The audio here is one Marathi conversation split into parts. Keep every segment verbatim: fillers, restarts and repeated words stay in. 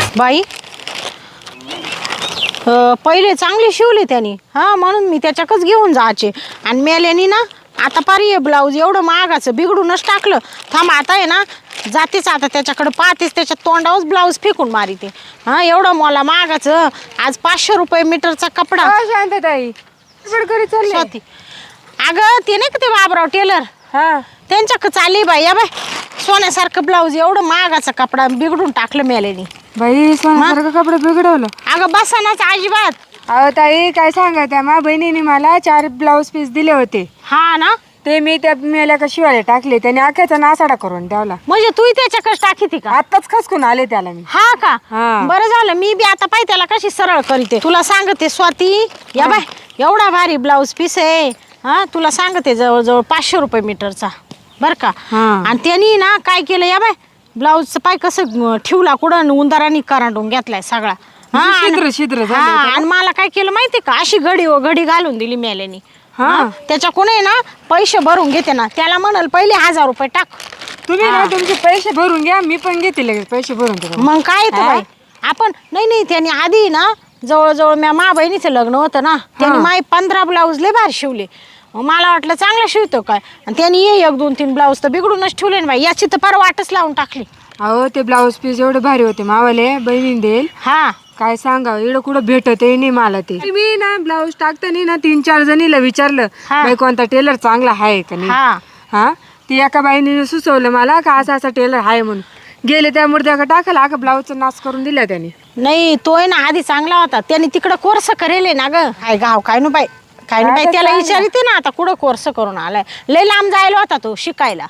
बाई पहिले चांगले शिवले त्यांनी, हां म्हणून मी त्याच्याकच घेऊन जायचे. आणि मेल्यानी ना आता पारी ब्लाऊज एवढं महागाचं बिघडूनच टाकलं. थांब आता आहे ना जातेच आता त्याच्याकडं पाहतेच, त्याच्या तोंडावरच ब्लाऊज फेकून मारिते. हां एवढं मला महागाचं आज पाचशे रुपये मीटरचा कपडा. शांतताई स्वाती अगं ते नाही का ते बाबराव टेलर, हा त्यांच्याकडे चालली बाई. या बाय सोन्यासारखं ब्लाऊज एवढं महागाचा कपडा बिघडून टाकलं मेल्यानी. बाई सोन्यासारखं कपडे बिघडवलं. अगं बसानाच अजिबात. अहो ताई काय सांगा, त्या मा बहिणीने मला चार ब्लाऊज पीस दिले होते. हा ना ते मी त्या मेल्या का शिवायला टाकले, त्याने आख्याचा नासाडा करून ठेवला. म्हणजे तू त्याच्याकडे टाकी का? आताच खसकून आले त्याला मी. हा का? हा. बरं झालं मी बी आता पाय त्याला कशी सरळ करीते. तुला सांगते स्वाती, या बाय एवढा भारी ब्लाऊज पीस आहे. हा तुला सांगते जवळजवळ पाचशे रुपये मीटरचा बर का. आणि त्यांनी ना काय केलं, या बाय ब्लाऊजचं पाय कसं ठेवला कुठं उंदरांनी करांडून घेतलाय सगळा. हा छिद्र छिद्र झाले. आणि मला काय केलं माहिती का, अशी घडी व घडी घालून दिली मेल्यानी. हा त्याच्या कोणी ना पैसे भरून घेते ना, त्याला म्हणाल पहिले हजार रुपये टाक. तुम्ही ना तुमचे पैसे भरून घ्या, मी पण घेते लगेच पैसे भरून घ्या. मग काय येतं बाई आपण. नाही नाही त्यांनी आधी ना जवळजवळ म्या मा बहिणीचं लग्न होतं ना, त्यांनी माय पंधरा ब्लाऊज लय भारी शिवले. मला वाटलं चांगलं शिवतो काय, आणि त्यांनी ये एक दोन तीन ब्लाऊज तर बिघडूनच ठेवले ना बाई. याची तर फार वाटच लावून टाकली. अहो ते ब्लाऊज पीस एवढे भारी होते मावाले, बहिणीने देईल. हा काय सांगा एवढं कुठं भेटत नाही मला ते. मी ना ब्लाऊज टाकताना ना तीन चार जणीला विचारलं बाई कोणता टेलर चांगला आहे का नाही. हा हा ती एका बाईने सुचवलं मला का असा असा टेलर आहे म्हणून. गेले त्या मूर्त्या टाकला का ब्लाऊजचा नाश करून दिला त्याने. नाही तो आहे ना आधी चांगला होता, त्याने तिकडं कोर्स करेल ना ग. काय गाव काय नु बाई काय नु बाई त्याला विचारते ना आता कुठं कोर्स करून आलाय. लय लांब जायला होता तो शिकायला.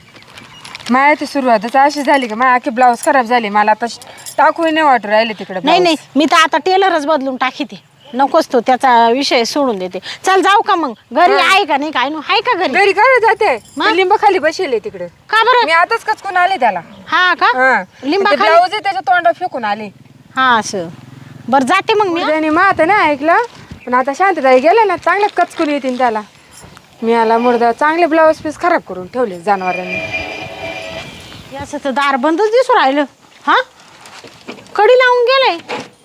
माया ती सुरुवातच अशी झाली का माझ्या आखी ब्लाऊज खराब झाली. मला आता टाकूही नाही वाटू राहिले तिकडे. नाही नाही मी तर आता टेलरच बदलून टाकीते. नकोच तो त्याचा विषय सोडून देते. चल जाऊ का मग घरी आहे का नाही काय नु आहे का घरी. घरी काय जाते लिंब खाली बसले तिकडे. का बरं मी आताच कचकून आले त्याला. हा का लिंबा ब्लाऊज त्याच्या तोंडा फेकून आले. हा असं बरं जाते मग मी. त्याने मात ना ऐकलं पण आता शांतताई गेले ना चांगले कचकून येतील त्याला. मी आला मुर्दा चांगले ब्लाऊज पीस खराब करून ठेवले जनावरांनी. असं तर दार बंदच दिसून राहिलं. हा कडी लावून गेलंय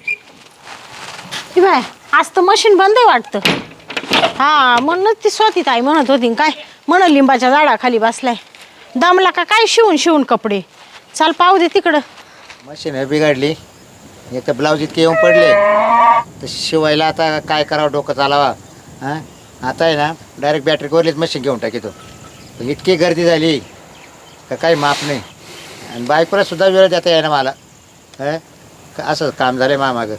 बाय. आज तर मशीन बंद आहे वाटतं. हा म्हणूनच ती स्वाती ताई म्हणत होती काय म्हण लिंबाच्या झाडाखाली बसलाय. दमला का काय शिवून शिवून कपडे. चाल पाहू दे तिकडं. मशीन बिघडली, एक तर ब्लाऊज इतके येऊन पडले तर शिवायला आता काय करावं डोकं चालावा. हां आता आहे ना डायरेक्ट बॅटरी कोरलीच मशीन घेऊन टाकीतो. पण इतकी गर्दी झाली का काही माप नाही. आणि बायकोला सुद्धा वेळ देता येईना मला. हं असं काम झालं आहे मामागं.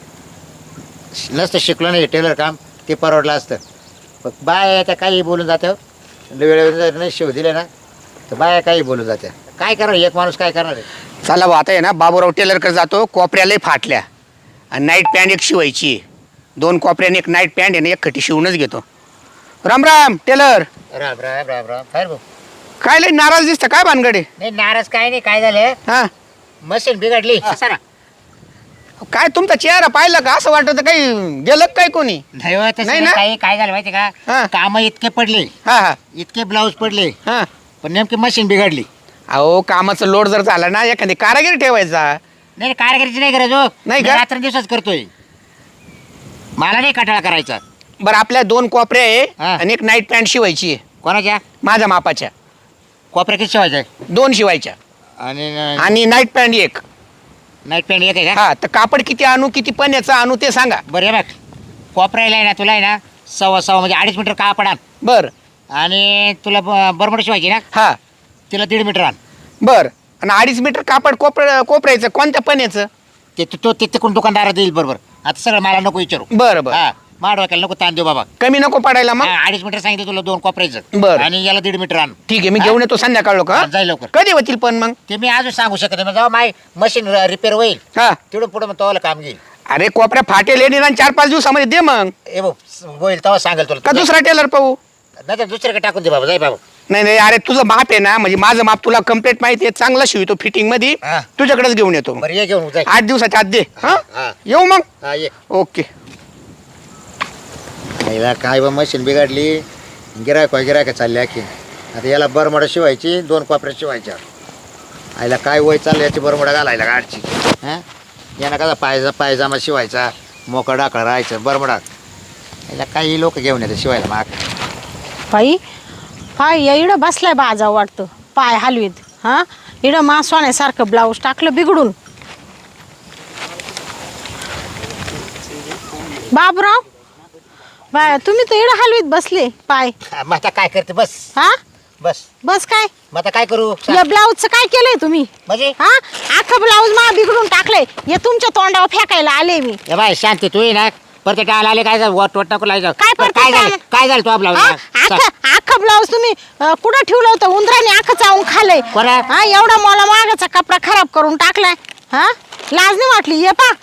नसतं शिकलो नाही टेलर काम ते परवडलं असतं. पण बाया त्या काही बोलून जात्या. वेळेवर नाही शिव दिले ना तर बाया काही बोलून जात्या. काय करणार एक माणूस काय करणार आहे. चला भाऊ आता आहे ना बाबूराव टेलरकडे जातो. कोपऱ्यालाही फाटल्या आणि नाईट पॅन्ट एक शिवायची आहे. दोन कोपऱ्याने एक नाईट पॅन्ट आहे ना एक खटी शिवूनच घेतो. राम राम टेलर. राम राम राम राम काय भाऊ. काय लई नाराज दिसतं काय भानगडे. नाही नाराज काय नाही. काय झालं हा मशीन बिघडली. सरा काय तुमचा चेहरा पाहिलं का असं वाटत काही गेलं काय कोणी. नाही हो, तसं नाही ना? काही काय झालं माहिती हा. का काम इतके पडले हा हा इतके ब्लाऊज पडले हा पण नेमकी मशीन बिघडली. अहो कामाचं लोड जर झाला ना एखादी कारागिरी ठेवायचा. नाही कारागिरीची नाही गरज हो. नाही मी का? रात्र दिवसाच करतोय. मला नाही कटाळा करायचा. बरं आपल्या दोन कोपऱ्या आहे हा. आणि एक नाईट पॅन्ट शिवायची आहे कोणाच्या माझ्या मापाच्या. कोपऱ्या किती शिवायचं दोन शिवायच्या आणि आणि नाईट पॅन्ट एक. नाईट पॅन्ट एक आहे का. हा तर कापड किती आणू किती पण्याचं आणू ते सांगा. बरं हे बघ कोपऱ्याला आहे ना तुला आहे ना सव्वा सव्वा म्हणजे अडीच मीटर कापड आण. बरं आणि तुला बरमोड शिवायची ना हा तिला दीड मीटर आण. बर आणि अडीच मीटर कापड कोपर कोपऱ्याचं कोणत्या पण्याचं. ते तो ते तिकडून दुकानदारा देईल बरोबर. आता सगळं मला नको विचारू. बरं बरं हा माडवायला नको ताण देऊ बाबा. कमी नको पडायला मग. हा, अडीच मीटर सांगितलं तुला दोन कोपऱ्याचं. बरं. आणि याला दीड मीटर आण. ठीक आहे मी घेऊन येतो संध्याकाळ का. हा, जाईल लवकर. कधी होतील पण मग. ते मी अजून सांगू शकत नाही. जेव्हा माय मशीन रिपेअर होईल हा तिकडून पुढे मग तवाला काम घेईल. अरे कोपऱ्या फाटेल येणे आणि चार पाच दिवसामध्ये दे मग. ए भाऊ होईल तेव्हा सांगेल तुला. का दुसरा टेलर पाहू. नाही तर दुसऱ्याकडे टाकून दे बाबा. जाई बाबा. नाही नाही अरे तुझं माप आहे ना म्हणजे माझं माप तुला कम्प्लीट माहिती आहे. चांगला शिवतो फिटिंग मध्ये. हा. तुझ्याकडेच घेऊन येतो मग. बरं ये घेऊन जाय. आठ दिवसाच्या आत दे. हा हा. येऊ मग. हा ये. ओके. याला काय बा मशीन बिघडली. गिरायक गिरायक चालली आखी. आता याला बरमोडा शिवायची दोन कोपऱ्या शिवायच्या. आईला काय वय चाललं याची बरमोडा घालायला गाडची. हां यांना कसा पायजा पायजामा शिवायचा मोकळा डाकळा राहायचं बरमडा याला काही लोक घेऊन येतात शिवायला माग बाई पाय या इडं बसलाय बाजा वाटतं पाय हलवीत हा इडं मा सोन्यासारखं ब्लाऊज टाकलं बिघडून. बाबराव बाय तुम्ही तर इडं हलवीत बसले पाय. मग आता काय करते बस हा बस बस काय मग आता काय करू या ब्लाऊजचं काय केलंय तुम्ही म्हणजे हा अख्खं ब्लाऊज मा बिघडून टाकलंय हे तुमच्या तोंडावर फेकायला आले मी. ए बाय शांती तू ये ना परत टाळा आले काय वट वट नको लागायचं. काय परत काय झालं टाळा? काय झालं तू आपला हा? अख्खं अख्खं ब्लाऊज तुम्ही अं, कुठं ठेवलं होतं उंदराने अख्खं चावून खाल्लंय. कोणा? हा एवढा मला मागाचा कपडा खराब करून टाकलाय. हा लाज नाही वाटली ये पा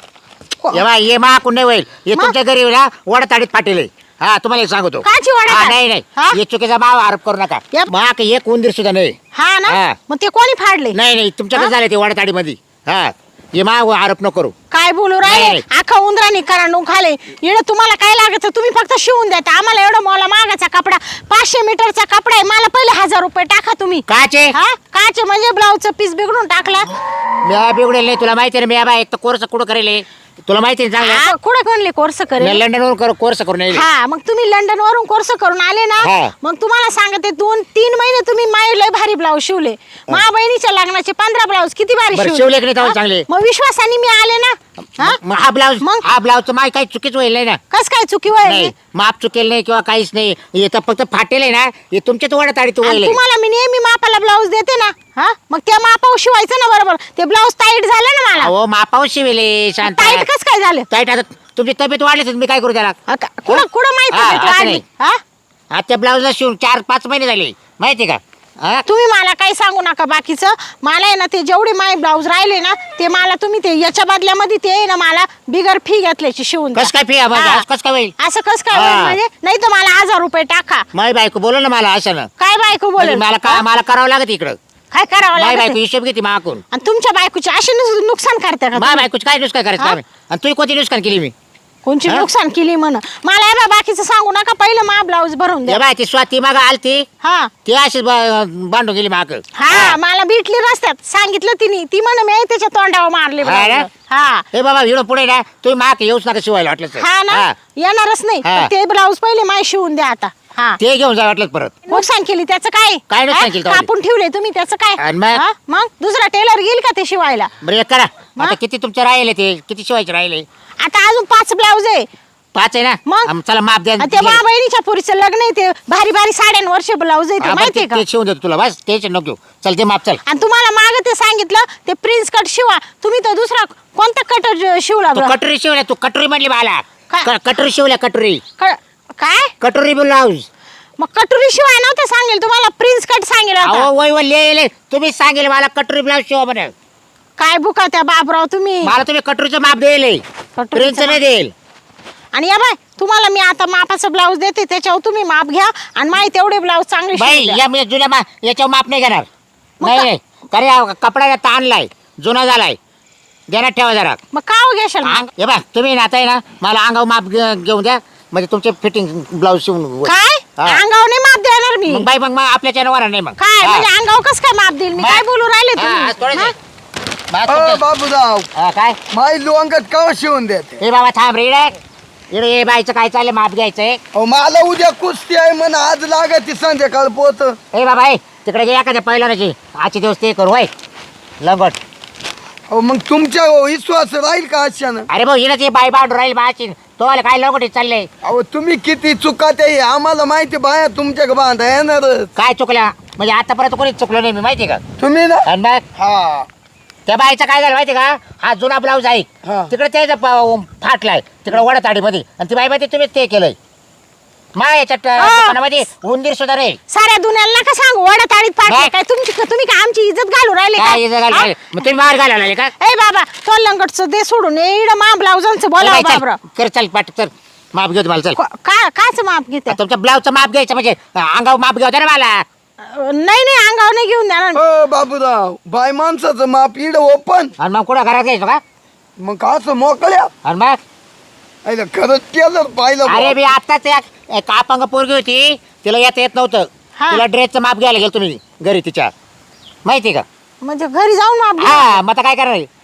ए बाय ये माकून नाही होईल हे मग? तुमच्या घरी ना वडताडीत फाटेल हा तुम्हाला एक सांगतो. काची वडताड? हा, नाही नाही हा? हे चुकीचा भाव आरोप करू नका यप. माक एक उंदीर सुद्धा नाही हा ना हा. मग ते कोणी फाडले नाही नाही तुमच्याकडे हा? झालं ते वडताडी मध्ये हा हे मा आरोप नको करू. काय बोलू नाही, राहिले नाही. अख्खा उंदराने करांडून खाले इकडे तुम्हाला काय लागायचं तुम्ही फक्त शिवून द्या आम्हाला एवढा मला मागाचा कपडा पाचशे मीटरचा कपडा आहे मला पहिले हजार रुपये टाका तुम्ही. काचे हा काचे म्हणजे ब्लाऊजचं पीस बिघडून टाकला. मी बिघडेल नाही तुला माहिती आहे ना मी बाय एक तर कोर्स कुठं करेल तुला माहिती आहे ना चांगलं हा, कुठं कोणले कोर्स मी करेल. लंडनवरून कर कोर्स करून येईल. हा मग तुम्ही लंडन वरून कोर्स करून आले ना हा. मग तुम्हाला सांगते दोन तीन महिने तुम्ही माय लय भारी ब्लाऊज शिवले मा बहिणीच्या लग्नाचे पंधरा ब्लाऊज किती भारी बरं, शिवले. शिवले की नाही तेव्हा हा? चांगले? मग विश्वासाने मी आले ना हा मग हा ब्लाऊज मग? हा ब्लाऊजचं माय काही चुकीच होईल नाही ना. कस काय चुकी नाही वय माप चुकेल नाही किंवा काहीच नाही हे तर फक्त फाटेल आहे ना हे तुमच्याच वडताडी तू होईल तुम्हाला मी नेहमी मापाला ब्लाऊज देते ना हा मग त्या मापावर शिवायचं ना बरोबर ते ब्लाऊज टाईट झालं ना मला अहो मापावर शिवेले शांत टाईट कस काय झालं टाईट आता तुमची तब्येत वाढली मी काय करू त्याला हा का? कुठं कुठं माहिती हा, भेटलं असं आधी? नाही. हा आता त्या ब्लाऊजला शिवून चार पाच महिने झाले माहिती का हा? तुम्ही मला काही सांगू नका बाकीचं मला आहे ना ते जेवढे माय ब्लाऊज राहिले ना ते मला तुम्ही ते याच्या बदल्यामध्ये ते आहे ना मला बिगर फी घेतल्याची शिवून द्या. कस काय फी हा. कस काय होईल असं कस काय हा. होईल म्हणजे नाही तर मला हजार रुपये टाका. माय बायको बोल ना मला असं ना काय बायको म्हणजे बोल मला का मला करावं लागत इकडं काय करावं माय लागत बायको हिशोब घेते माकून आणि तुमच्या बायकोची अशी नुस- नुकसान करते का माय तुम्ही? बायकोच काय नुसकान करायचं हा? काम आहे? आणि तू कोणती नुसकान केली मी कोणची हा? नुकसान केली म्हण मला हे बा बाकीचं सांगू नका पहिलं मा ब्लाऊज भरून हे द्या. बाय ती स्वाती माग आलती हा ती अशीच ब- बांधून गेली माग हा मला भेटली रस्त्यात सांगितलं तिने ती म्हण मी त्याच्या तोंडावर मारले हा ना? ब्लाऊज. हा हे बाबा हिडो पुढे ना तुम्ही माग येऊच नका शिवायला वाटलं तर. हा ना हा. येणारच नाही हा. पण ते ब्लाऊज पहिले माय शिवून द्या आता. हा ते घेऊन जा वाटलं परत नुकसान केली त्याचं काय काय नुकसान हा? केलं तेवढी? कापून ठेवले तुम्ही त्याचं काय आणि मग? हा? मग दुसरा टेलर येईल का ते शिवायला. बरं एक करा हा? आता किती तुमचे राहिले ते किती शिवायचे राहिले आता अजून पाच ब्लाऊज आहे पाच आहे ना मग? आम- चला माप द्या आणि ते मा बहिणीच्या पुरीचं लग्न आहे ते भारी भारी साड्यांवरचे ब्लाऊज आहे ते हा, बरं, माहितीये ते का. ते शिवून देतो तुला बस टेन्शन नको घेऊ. चल ते माप चल आणि तुम्हाला माग ते सांगितलं ते प्रिन्स कट शिवा तुम्ही तर दुसरा कोणता कट शिवला तू बरं? कटोरी शिवल्या तू कटोरी म्हणली मला काय? क- कटोरी शिवल्या कटोरी क- काय कटोरी ब्लाऊज मग कटोरी शिवाय नव्हतं सांगेल तुम्हाला प्रिन्स कट सांगेल होता. अहो वय वय लिहिले तुम्ही सांगेल मला कटोरी ब्लाऊज शिवा म्हणे काय बुका त्या बाबराव तुम्ही मला तुम्ही कटोरीचं माप देईल कटोरीचं प्रिन्स नाही माप. देईल आणि या बाय तुम्हाला मी आता मापाचं ब्लाऊज देते त्याच्यावर तुम्ही माप घ्या आणि माहिती तेवढे ब्लाऊज चांगले बाई शिवून द्या. या मी जुन्या मा याच्यावर माप नाही घेणार मग नाही का- नाही कारण या कपड्याला ताणलाय जुना झालाय देण्यात ठेवा जरा मग का हो घेशाल मग? अंग- हे बा तुम्ही ना आता आहे ना मला अंगावर माप घे- घेऊन द्या म्हणजे तुमचे फिटिंग ब्लाऊज शिवून काय हा. अंगावर नाही माप देणार मी मग बाई मग मग आपल्या चॅनलवर नाही मग काय हा. म्हणजे अंगावर कसं काय माप देईल मी मग? काय बोलू राहिले हा, हा, थोडं तुम्ही दे. हा? बा, अ तुमच्या- बाबूराव हा, काय माई लोंगट का शिवून देते हे बाबा थांब रे इकडे. इकडे ये बाईचं काय चाललंय माप घ्यायचंय अहो मला उद्या कुस्ती आहे म्हण आज लागत संध्याकाळ पोत हे बाबा ए, तिकडे गे एखाद्या पहिल्याची आजचे दिवस ते करू होय लंगट अहो मग तुमच्या विश्वास राहील का अशानं अरे भाऊ हिनं ते बाई बांधून राहील बाची तो काय लंगटी चाललंय अहो तुम्ही किती चुका ते आम्हाला माहिती बाया तुमच्या बांधा येणारच काय चुकल्या म्हणजे आतापर्यंत कोणीच चुकलं नाही मी माहिती का तुम्ही ना आणि मग हा त्या बाईचं काय झालं माहिती का हा जुना ब्लाऊज आहे हा. तिकडे त्याचा प- फाटलाय तिकडे वडताडीमध्ये आणि ती बाई माहिती तुम्हीच ते केलंय मा याच्यात अं, हा. दुकानामध्ये उंदीर सुद्धा रे साऱ्या दुनियाला नका सांगू वडा ताडीत पाडले काय? काय तुमची तुम्ही काय आमची इज्जत घालू राहिले काय इथं घाल- का घाल. मग तुम्ही बाहेर घालायला आले का ए बाबा तो लंगटचं दे सोडून इड मा ब्लाऊजांचं बोला ए बाई, चल, बाबरा कर चल पाठ चल माप घेऊ मला चल काय काच माप घेते तुमच्या ब्लाऊजचं माप घ्यायचं म्हणजे अंगावर माप घ्यावं ना मला नाही नाही अंगावर नाही घेऊन देणार मी. अ बाबूराव बाय माणसाचं माप इड ओपन आणि मग कुठं घरात घ्यायचं का मग असं मोकळ्या आणि मग अरे खरंच केलं पाहिलं अरे बुवा. मी आत्ताच एक एक अपंग पोरगी होती तिला येता येत नव्हतं हा. तिला ड्रेसचं माप घ्यायला गेलो तुम्ही घरी तिच्या माहिती का म्हणजे घरी जाऊन माप घे हा मग आता काय करणार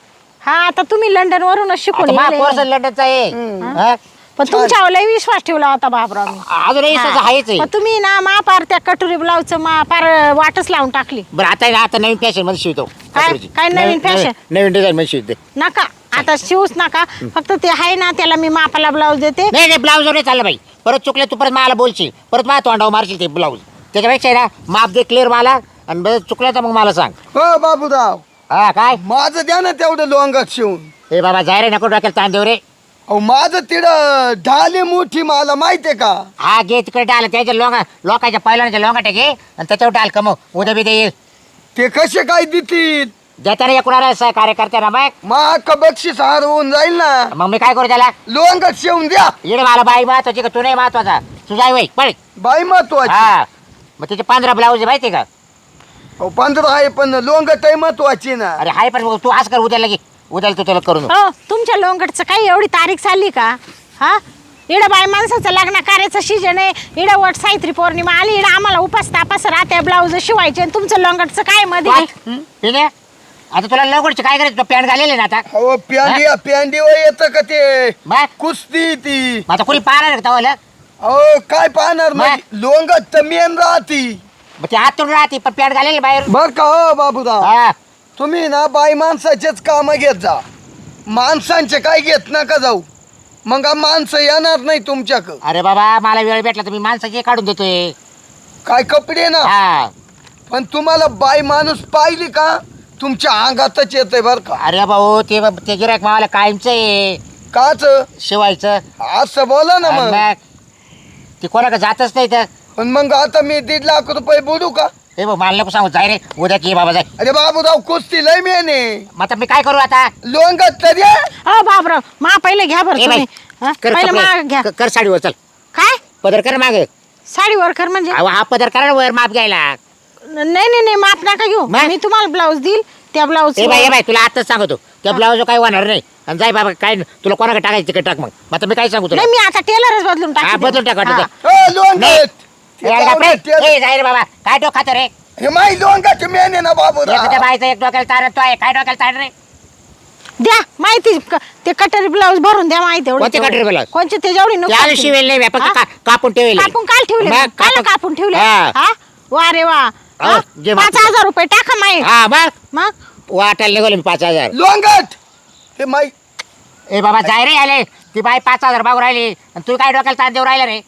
हा आता तुम्ही लंडन वरूनच शिकून आता आले. मा कोर्स लंडनचा आहे हा? पण तुमच्यावर लय विश्वास ठेवला होता बाबराव मी. अजूनही हा. तसं आहेच आहे. पण तुम्ही ना मा पार त्या कटोरी ब्लाऊजचं मा पार वाटच लावून टाकली. बरं आता आहे ना, आता नवीन फॅशन मध्ये शिवतो काय- कापडाची. काय नवीन fashion? नवीन डिझाईन मध्ये शिवते. नका आता शिवूच नका. फक्त ते आहे ना त्याला मी मापाला ब्लाऊज देते. नाही नाही ब्लाऊज नाही चाललं बाई. परत चुकले तू परत मला बोलशील, परत मला तोंडावर मारशील ते ब्लाऊज. त्याच्यापेक्षा आहे ना माप दे क्लिअर मला, आणि बरं चुकलं तर मग मला सांग. हो बाबूराव हा काय माझं द्या ना तेवढं लोंगात शिवून. हे बाबा जाय रे, नको डोक्याला ताण देऊ रे. अहो माझं तिथं ढाली मोठी मला माहितीये का. हा घे तिकडे डाल, त्याच्या लोका लोकांच्या पहिल्याच्या लोंगाटे घे आणि त्याच्यावर डाल कमव. उद्या बी येईल ते कसे काय देतील. देताना एकूणाला सहकार्य करते ना मग. मग बक्षीस हार होऊन जाईल ना. मग मी काय करू त्याला. लोंगात शिवून द्या. इकडे मला बाई महत्वाची का तू नाही महत्वाचा. तुझा वय पळ. बाई महत्वाची. हा मग त्याचे पंधरा ब्लाऊज आहे माहिती का. अहो पंधरा आहे पण लोंगट आहे महत्वाची ना. अरे हाय पण मग तू आज कर उद्याला घे. उद्याला तू तुला करून हो तुमच्या लोंगटचं काही एवढी तारीख चालली का. हा इडं बाय माणसाचं लग्न कार्याचं सीजन आहे. इडं वट सावित्री पौर्णिमा आली. इडं आम्हाला उपास तापास राहते ब्लाऊज शिवायचे आणि तुमचं लोंगटचं काय मध्ये. पिण्या आता तुला लवकरची काय करायचं. पॅन्ट घालेले ना आता. अहो प्यांडी प्यांडीवर येतं का ते मग कुस्ती ती. मग आता कोणी पाहणार का तवाला. अहो काय पाहणार मग लोंगट तर मेन राहती. मग ते हात तोडून राहते पण पॅन्ट घालेले बाहेर. बर का हो बाबूराव हा तुम्ही ना बाई माणसाचेच काम घेत जा. माणसांचे काय घेत नका जाऊ. मग आ माणसं येणार नाही तुमच्याकडं. अरे बाबा मला वेळ भेटला तर मी माणसाचे काढून देतोय. काय कपडे ना. हा पण तुम्हाला बाई माणूस पाहिली का तुमच्या अंगातच येतंय बर का. अरे भाऊ ते ते गिरायक मावाला कायमचं आहे काच शिवायचं. असं बोला ना आणि मग. मग ते कोणाकडे जातच नाही तर. पण मग आता मी दीड लाख रुपये बोलू का. हे बघ मला नको सांगू जाय रे उद्या की बाबा जाय. अरे बाबूराव कुस्ती लय मेने. मग आता मी काय करू आता. लोंगट तर द्या. हो बाबराव मा पहिले घ्या बरं ए बाई, तुम्ही. हा, कर पहिलं कपडे. माग घ्या. क- कर साडीवर चल. काय पदर कर माग. साडी वरकर म्हणजे. अहो, हा पदर करा ना वर माप घ्यायला. नाही नाही नाही माप नका घेऊ. मग? मी तुम्हाला ब्लाऊज देईल त्या ब्लाऊज. ए बाई ए बाई तुला आताच सांगतो त्या ब्लाऊज काय होणार नाही. आणि जाय बाबा काय तुला कोणाकडे टाकायचं तिकडे टाक. मग मग आता मी काय सांगू तुला. नाही मी आता टेलरच बदलून हा टाकते. बदलून टाक वाटतं हा. तर. हो नाही. लोंगट. ए, अरे बापरे. ए, जाय रे बाबा काय डोकात रे. हे माई लोंगट मेने ना एखाद्या बाबूराव. बाईचा एक डोक्याला तार तो आहे काय डोक्याला तार रे. द्या माहिती क- ते कटरी ब्लाऊज भरून द्या माहिती एवढी. कोणते कटोरी ब्लाऊज? कोणचे ते जेवढी नुकसान त्याला केली. शिवेल नाही फक्त हा? का- कापून ठेवेल. कापून काल ठेवले मग मग? काल कापून- कापून ठेवले. हा. हा वा रे वा. हा? जे पाच मागतो. हजार रुपये टाका माई. हा मग मग वाटायला निघालो मी पाच हजार. लोंगट. हे माई ए बाबा जाय रे आले ती बाई पाच हजार बाबू राहिली आणि तू काय डोक्याला ताण देऊ राहिला रे.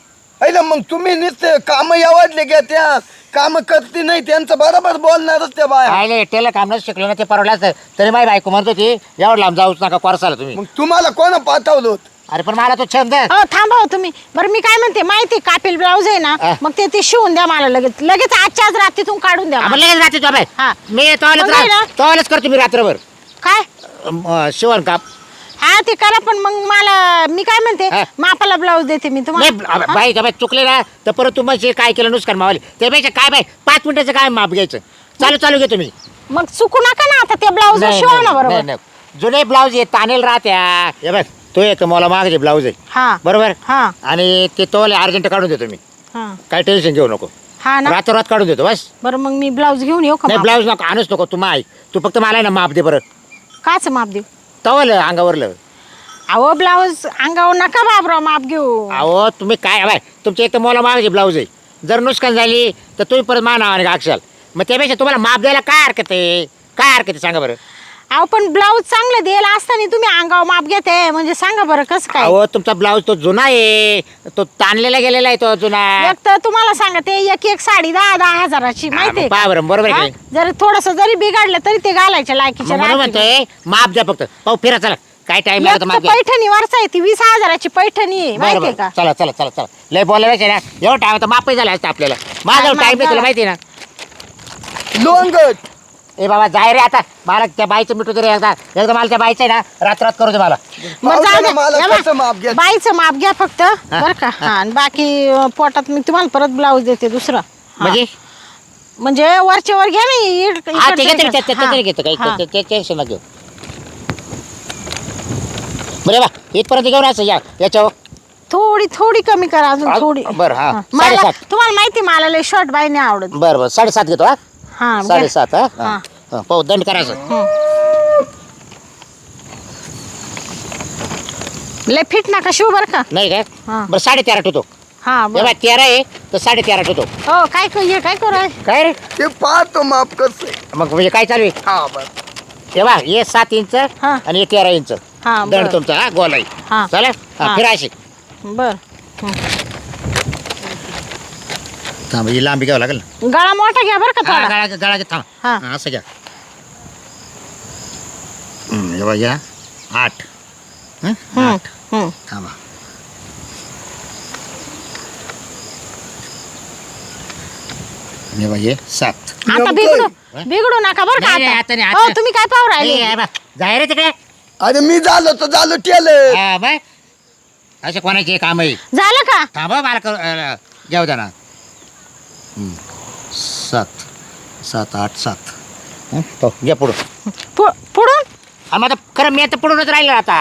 ऐला मग तुम्ही नुसते काम आवडले का त्या काम करते नाही त्यांचं बरोबर बोलणारच त्या बाया. राहिले टेलर काम नच शिकलो ना ते परवडलं असतं. तरी माझी बायको म्हणतो ती एवढं लांब जाऊच नका कोर्साला तुम्ही. मग तुम्हाला कोण पाठवलं होतं? अरे पण मला तो छंद. हो थांबा हो तुम्ही. बरं मी काय म्हणते माहिती कापेल ब्लाऊज आहे ना हा. मग ते ते शिवून द्या मला लगेच लगेच आजच्या आज रात्रीतून काढून द्या आपण मला. लगेच राहते तो बाई. हा. मी तोवालच मग नाही ना? राह- तोवालच करतो मी रात्रभर काय अं, शिवण काम. हा ते करा पण मग मला मी काय म्हणते हा. मापाला ब्लाऊज देते मी नाही तुम्हाला. अब- बाई का बाई चुकले ना तर परत तू म्हणजे काय केलं नुसकान मावले त्यापेक्षा काय बाई पाच मिनिटाचं काय माप घ्यायचं. चालू चालू घेतो मी. मग चुकू नका ना आता ते ब्लाऊज नाही, शिवा नाही, ना नाही, बरोबर. नाही. जुने ब्लाऊज आहे तानेल राहत्या. हे बघ तो एक मला मागाचे ब्लाऊज आहे हा बरोबर. हा आणि ते तोले अर्जंट काढून देतो मी. हा काय टेन्शन घेऊ नको. हा ना. रातोरात काढून देतो बस. बरं मग मी ब्लाऊज घेऊन येऊ का नाही माप? ब्लाऊज नको आणूच नको तू माय. तू फक्त मला आहे ना माप दे बरं. काच माप देऊ. तवल अंगावरलं. अहो ब्लाऊज अंगावर नका बाबराव माप घेऊ. अहो तुम्ही काय बाय तुमच्या एक तर मला मागायचे ब्लाऊज आहे. जर नुकसान झाली तर तुम्ही परत मा नावाने गाक्षाल. मग त्यापेक्षा तुम्हाला माप द्यायला काय हरकत आहे. काय हरकत आहे सांगा बरं. अहो पण ब्लाऊज चांगलं द्यायला असताना तुम्ही अंगावर माप घेते म्हणजे सांगा बरं कसं काय. अहो तुमचा ब्लाऊज तो जुना आहे. तो ताणलेला गेलेला आहे तो जुना. एक तर तुम्हाला सांगते एक एक साडी दहा दहा हजाराची माहितीये पहा बरं बरोबर आहे का? की जर थोडस जरी बिघडलं तरी ते घालायच्या लायकीचे मग म्हणून म्हणतोय माप द्या फक्त. पाहू फिरा चला काय टाइम लागतो माप घ्या. पैठणी वरचा आहे ती वीस हजाराची पैठणी आहे बरं माहितीये बरं का. चला चला चला चला लय बोलायचं ना एवढं टाइम तर मापही झालं असतं आपल्याला. माझा माप टाइम नाही तुला झाला. माहिती आहे ना. लोंगट. ए बाबा जाय रे आता मला त्या बाईचं मिठू तरी एकदा एकदा मला त्या बाईचं आहे ना रात्रात करू दे मला. मग जाऊ पावसाला द्या. मला या बा, कसं माप घ्या. बाईचं माप घ्या फक्त बरं का. हा आणि बाकी अं, पोटात मी तुम्हाला परत ब्लाऊज देते दुसरं. हा. म्हणजे म्हणजे वरच्या वर घ्या ना इड- हा ते इकडच्या घेतो इकडं. ते हा. तरी घेतो काही हा. ते- ते टेन्शन नका घेऊ. बरे बा इथपर्यंत घेऊन असं या याच्यावर. थोडी थोडी कमी करा अजून आ- थोडी. बरं, हा. हा. मला साडेसात. तुम्हाला माहिती मला लय शर्ट बाई नाही आवडत. बरं बरं साडेसात घेतो हा. हा घ्या. साडेसात हा हा. हा पाहू दंड करायचं. हं. लय फिट नका शिव बरं का. नाही हा. काय बरं साडे तेरा ठेवतो. हा बरं. जेव्हा तेरा आहे तर साडे तेरा ठेवतो. हो काय क- हे काय करू काय रे ते पाहतो माप कसं आहे. मग म्हणजे काय चालू आहे हा बर तेव्हा हे सात इंच हा. आणि हे तेरा इंच हा दंड बरं तुमचा हा गोलाई हा. चालेल हा. हा, फिरा अशी बर. थांब ही लांबी घ्यावं लागेल ना. गळा मोठा घ्या बरं का हा, थोडा. गळा गळा घे थांब हा. हा, असं घ्या हम्म, हे बघ घ्या आठ हं? हम्म, आठ हम्म. थांबा हे बघ हे सात आता नेमकं बिघडू आहे. बिघडू नका बरं का नाही, नाही, आता आता. नाही, हो आता- तुम्ही काय पाहू ए, राहिले हे बघ, जाय रे तिकडे अरे मी झालो तर झालो टेलर. हा, बाय असे कोणाचे काम आहे झालं का. थांबा मला कर- अं, घेऊ द्या ना हं. सात सात आठ सात हं? हो, घ्या पुढं पु- पुढून हा, मग आता खरं मी आता पुढूनच राहिलो आता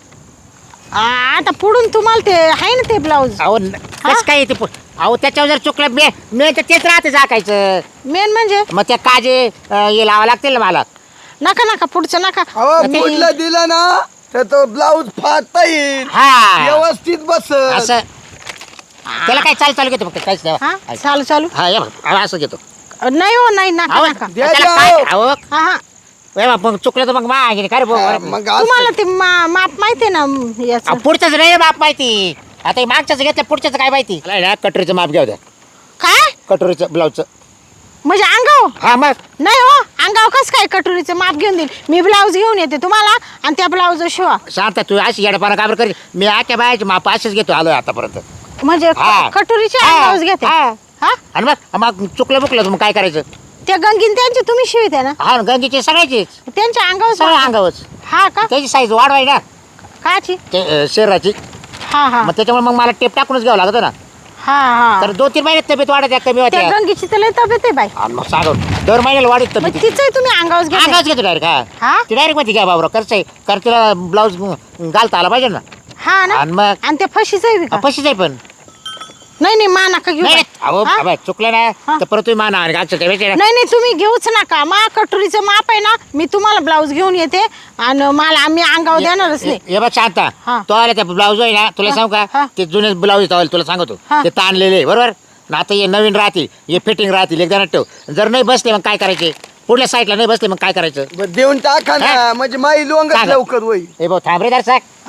आ, आता पुढून तुम्हाला ते आहे ना ते ब्लाऊज अहो न- कसं काय येते पु- अहो त्याच्यावर जर चुकलं मी मी तर तेच राहते झाकायचं मेन म्हणजे मग त्या काजे अं, हे लावा लागतील ना मला नका नका पुढचं नका. अहो ते- पुढलं दिलं ना तर तो ब्लाऊज फाटता येईल हा व्यवस्थित बस. असं त्याला काय चालू चालू घेतो फक्त काहीच नाही हा हा. चालू चालू हा हे बघ, हा, असं घेतो नाही हो नाही नका अहो, नका. द्या, त्याला द्या, काय अहो. अहो हा हा हे बघ, मग चुकलं तर मग मा काय रे भाऊ? हा, मग असं- तुम्हाला ते मा- माप माहिती ना याच अहो, पुढचंच नाही बाप माहिती आता हे मागच्याच घेतलं पुढच्याच काय माहिती मला ना कटोरीचं माप घ्या द्या काय कटोरीचं ब्लाऊजचं म्हणजे अंगाव हा मग नाही हो अंगाव कस काय कटोरीचं माप घेऊन देईल मी ब्लाऊज घेऊन येते तुम्हाला आणि त्या ब्लाऊज शिवा शांत तू अशी येडपाना काबर करी मी आख्या बायाची माप अशीच घेतो आलोय आतापर्यंत म्हणजे हा. क- कटोरीचे हा, अंगावच घेते हा. हा आणि मग मग चुकलं बुकलं तर मग काय करायचं त्या गंगीन त्यांची तुम्ही शिविते ना हा गंगीची सगळ्याचीच त्यांच्या अंगावर सगळं अंगावच हा का त्याची साईज वाढवाय ना काची ते अं, शरीराची हा हा मग त्याच्यामुळे मग मला टेप टाकूनच घ्यावं लागतं ना हा हा तर दोन तीन महिन्यात तब्येत वाढत आहे, कमी होते त्या गंगीची तर लय तब्येत आहे बाई आणि मग सांगून दर महिन्याला वाढत मग तब्येत तिचंही तुम्ही अंगावर घेते अंगाच घेतो डायरेक्ट हा हा ती डायरेक्ट मध्ये घ्या बाबरा करचं कर तिला ब्लाऊज घालता आला पाहिजे ना हा ना आणि मग आणि त्या फशीच आहे का पशीच आहे पण नाही नाही मा नका घेऊ नाही बाई. अहो हा? बाबा, चुकलं ना हा. तर परत तुम्ही माना आणि घालचं ते वेचेल. नाही नाही तुम्ही घेऊच नका मा कटोरीचं माप आहे ना मी तुम्हाला ब्लाऊज घेऊन येते आणि मला आम्ही अंगावर देणारच नाही हे बघ शांता हा. तो आला त्या ब्लाऊज आहे ना तुला हा, सांगू हा. का ते जुने ब्लाऊज तुला सांगतो हा. ते ताणलेले आहे, बरोबर ना आता हे नवीन राहतील हे फिटिंग राहतील एकदा ठेव जर नाही बसले मग काय करायचे पुढल्या साईडला नाही बसले मग काय करायचं बरं, देऊन टाका ना हा? म्हणजे माई लोंगच सांगा. लवकर होईल. हे भाऊ थांब रे दर्शक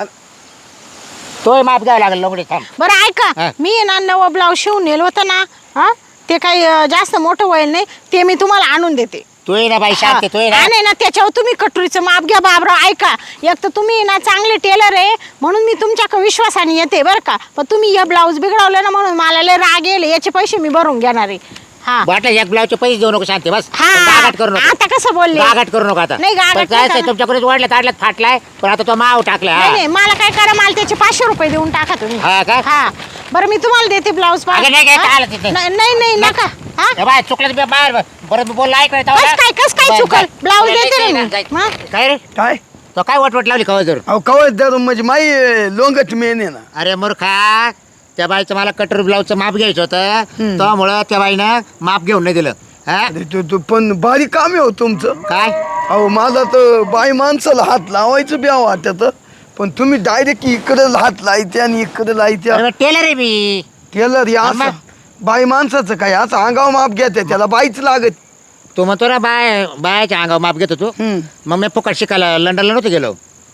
तोय माप घ्यावं लागेल लोकडे थांब बरं हा. ऐका मी आहे ना नवं ब्लाऊज शिवून नेलं होतं ना हा ते काही अं, जास्त मोठं होईल नाही ते मी तुम्हाला आणून देते तू ये ना बाई शांत तू ये ना नाही ना त्याच्यावर तुम्ही कटोरीचं माप घ्या बाबराव ऐका एक तर तुम्ही ना चांगले टेलर आहे म्हणून मी तुमच्या विश्वासाने येते बरं का पण तुम्ही हे ब्लाऊज बिघडवलं ना म्हणून मला लय राग येईल याचे पैसे मी भरून घेणार आहे हा वाटलं एक ब्लाऊजचे पैसे देऊ नको शांती बस हा गागाट करू नको आता कसं बोलले गागाट करू नको आता नाही, गागाट पण नाही काय करणार. तुमच्याकडे वाढलं ताडल्यात फाटलाय पण आता तो माव टाकला नाही नाही मला काय करा मला त्याचे पाचशे रुपये देऊन टाका तुम्ही हा का? हा बरं मी तुम्हाला देते ब्लाऊज पा- अगं नाही, काय हा? आलं तिथे? नाही नाही नाही, नका हा ए बाय चुकलं तर बाहेर परत मी बोलला ऐकलं कस काय कस काय चुकल ब्लाऊज देते ना मी हा? काय रे काय तो काय वटवट लावली खबर जर अहो कवच धरून म्हणजे माई लोंगच मेन आहे ना. अरे मूर्खा त्या बाईचं मला कटर ब्लाऊजचं माप घ्यायचं होतं त्यामुळं त्या बाईनं माप घेऊन नाही दिलं हा अरे तू तू पण भारी काम आहे हो तुमचं. काय अहो मला तर बाई माणसाला हात लावायचं बी वाटत पण तुम्ही डायरेक्ट इकडे हात लायते आणि इकडे लायते. अरे टेलर आहे मी टेलर या मग? बाई माणसाचं काय असं अंगाव माप घेते त्याला बाईच लागत. तू म्हणतो ना बाय बायाच्या अंगावर माप घेतो तू हम्म. मग मी फुकट शिकायला लंडनला नव्हतं गेलो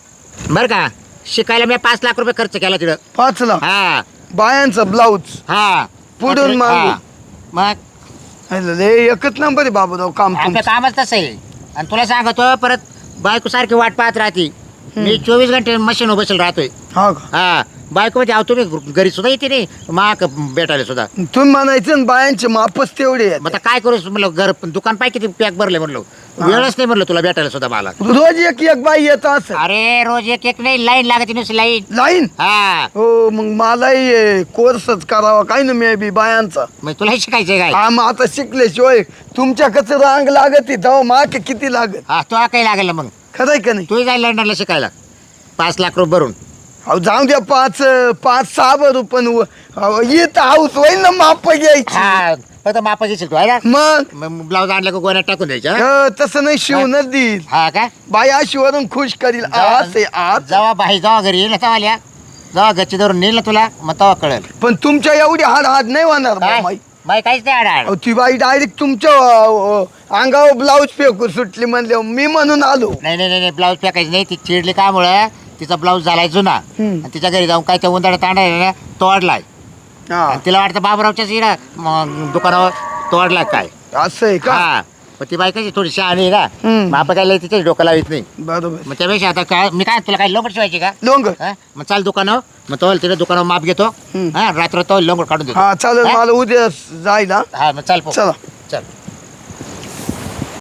बरं का शिकायला मी पाच लाख रुपये खर्च केला तिथं पाच लाख हा बायांचा ब्लाऊज हा पुढून मागून. हा. मग अरे एकच नंबर आहे बाबूराव काम आपलं तुमचं. कामच तसं आहे आणि तुला सांगतो परत बायको सारखी वाट पाहत राहते मी चोवीस घंटे मशीन बसेल राहतोय हा का हा बायको म्हणजे अहो तुम्ही घरी सुद्धा येते नाही माक भेटायला सुद्धा तुम्ही म्हणायचं ना बायांचे मापच तेवढे आहेत. मग आता काय करू म्हणलं घर दुकान पाय किती पॅक भरले म्हणलं वेळच नाही म्हणलं तुला भेटायला सुद्धा मला रोज एक एक बाई येत असं अरे रोज एक एक नाही लाईन लागते नुसती लाईन लाईन. हा हो मग मलाही कोर्सच करावा काय ना मे बी बायांचा. मग तुला शिकायचंय काय हा मग आता शिकल्याशिवाय तुमच्या कसं रांग लागत तेव्हा माक किती लागत हा तुला काही लागेल ना मग खरंय का नाही. तू जाईल लंडनला शिकायला पाच लाख रुपये भरून अहो जाऊ द्या पाच पाच सहा भरू पण येत हाऊस होईल ना माप घ्यायची. हा फक्त मापा घेशील तू आहे ना मग मग ब्लाऊज आणला का गोण्यात टाकून द्यायच्या अ, तसं नाही शिवूनच देईल हा का बाई अशी वरून खुश करील जेव्हा- आज आहे आज. जेव्हा बाई जेव्हा घरी येईल तेव्हा आल्या जेव्हा गच्ची धरून नेल ना तुला मग तेव्हा कळेल. पण तुमच्या एवढी हाड हाड नाही होणार काय माई. बाई काहीच नाही आडाड. अहो, ती बाई डायरेक्ट तुमच्या अ, अ, अंगावर ब्लाऊज फेकू सुटली म्हणले मी म्हणून आलो. नाही नाही नाही ब्लाऊज फेकायची नाही. ती चिडली का मुळे तिचा ब्लाऊज झालाय जुना आणि तिच्या घरी जाऊन काय त्या उंदाडा तांडा ना तोडलाय. हा आणि तिला वाटतं बाबूरावच्याच इकडं मग दुकानावर तोडलाय काय. असं आहे का? हा पण ती बाई कशी थोडी शहाणी आहे ना. हम्म. मग आपण काय तिच्याच डोकं लावित नाही. बरोबर. मग त्यापेक्षा आता काय मी काय तुला काय लोंगड शिवायची का. लोंग हा? मग चाल दुकानावर मग तो तिथे दुकानावर माप घेतो. हम्म. हा रात्र तो लोंगड काढून देतो. हा चालेल हा? मला उद्या जायला. हा मग चाल पो. चला